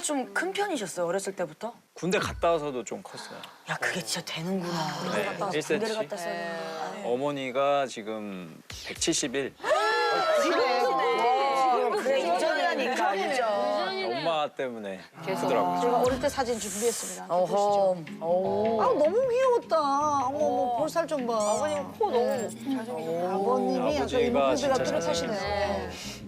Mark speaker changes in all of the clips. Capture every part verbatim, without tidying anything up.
Speaker 1: 좀 큰 편이셨어요, 어렸을 때부터?
Speaker 2: 군대 갔다 와서도 좀 컸어요.
Speaker 1: 야, 그게 진짜 되는구나.
Speaker 2: 네,
Speaker 1: 갔다 와서
Speaker 2: 일 센치.
Speaker 1: 군대를 갔다 왔어야
Speaker 2: 어머니가 지금 백칠십일.
Speaker 1: 그래, 유전이라니까, 유전.
Speaker 2: 엄마 때문에 힘들더라고요.
Speaker 3: 제가 어릴 때 사진 준비했습니다.
Speaker 1: 어허. 오.
Speaker 3: 아 너무 귀여웠다. 어머 어머 볼살 좀 봐.
Speaker 4: 아버님 코 너무 잘생기셨어요.
Speaker 3: 아버님이 약간
Speaker 2: 아버지가
Speaker 3: 이목구비가
Speaker 2: 진짜
Speaker 3: 뚜렷하시네.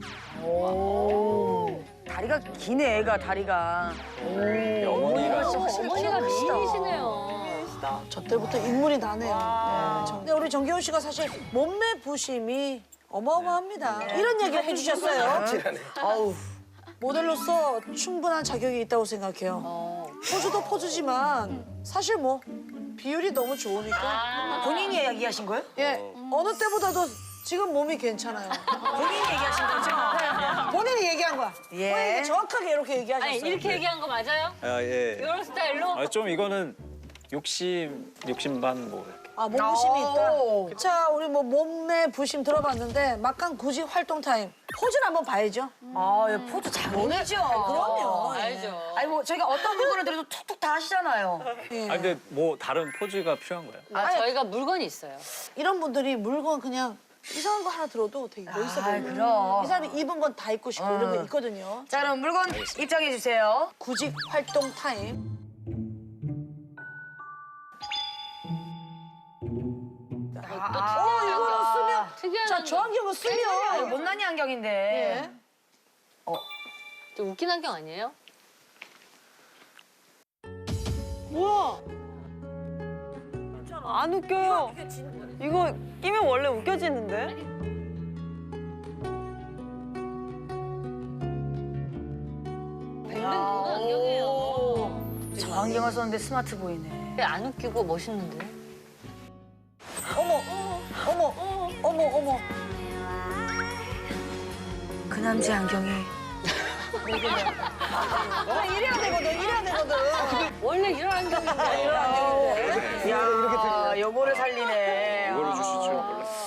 Speaker 1: 오. 다리가 기네, 애가, 다리가.
Speaker 2: 어머니가
Speaker 5: 어머니가 미인이시네요.
Speaker 3: 저 때부터 인물이 나네요. 네, 정- 근데 우리 정기훈 씨가 사실 몸매 부심이 어마어마합니다. 이런 얘기를 해주셨어요.
Speaker 1: 아우.
Speaker 3: 모델로서 충분한 자격이 있다고 생각해요. 포즈도 포즈지만 사실 뭐 비율이 너무 좋으니까
Speaker 1: 본인이 얘기하신 거예요?
Speaker 3: 예 어느 때보다도 지금 몸이 괜찮아요.
Speaker 1: 본인이 얘기하신 거죠?
Speaker 3: 본인이 얘기한 거야.
Speaker 1: 예.
Speaker 3: 본인이 정확하게 이렇게 얘기하셨어요.
Speaker 5: 아니 이렇게 얘기한 거 맞아요?
Speaker 2: 아, 예.
Speaker 5: 이런 스타일로?
Speaker 2: 아, 좀 이거는 욕심, 욕심 반 뭐. 이렇게.
Speaker 3: 아, 몸부심이
Speaker 1: 오.
Speaker 3: 있다. 자, 우리 뭐 몸매 부심 들어봤는데 막간 굳이 활동 타임. 포즈를 한번 봐야죠.
Speaker 1: 아, 얘 포즈 장인이죠.
Speaker 3: 그럼요.
Speaker 5: 알죠.
Speaker 1: 아니, 뭐, 저희가 어떤 물건을 드려도 툭툭 다 하시잖아요.
Speaker 3: 예.
Speaker 2: 아, 근데 뭐 다른 포즈가 필요한 거예요?
Speaker 5: 아, 저희가 물건이 있어요.
Speaker 3: 이런 분들이 물건 그냥 이상한 거 하나 들어도 되게 멋있어
Speaker 1: 아,
Speaker 3: 보여요.
Speaker 1: 그럼.
Speaker 3: 이 사람이 입은 건 다 입고 싶고 이런 거 있거든요.
Speaker 1: 자, 그럼 물건 입장해 주세요.
Speaker 3: 구직 활동 타임. 어, 이거는 쓰면.
Speaker 5: 특이한
Speaker 3: 자, 저 안경은
Speaker 1: 아, 이거
Speaker 3: 쓰면.
Speaker 1: 못난이 안경인데.
Speaker 3: 예.
Speaker 5: 좀 웃긴 안경 아니에요?
Speaker 4: 안 웃겨요. 이거 끼면 원래 웃겨지는데?
Speaker 5: 뱅뱅 도는 안경이에요.
Speaker 1: 저 안경을 썼는데 스마트 보이네.
Speaker 5: 안 웃기고 멋있는데?
Speaker 3: 어머, 어머, 어머, 어머.
Speaker 1: 그 남자 안경이.
Speaker 3: 아, 이래야 되거든, 이래야 되거든.
Speaker 5: 원래 이런 안경인데.
Speaker 1: 야, 요거를 살리네.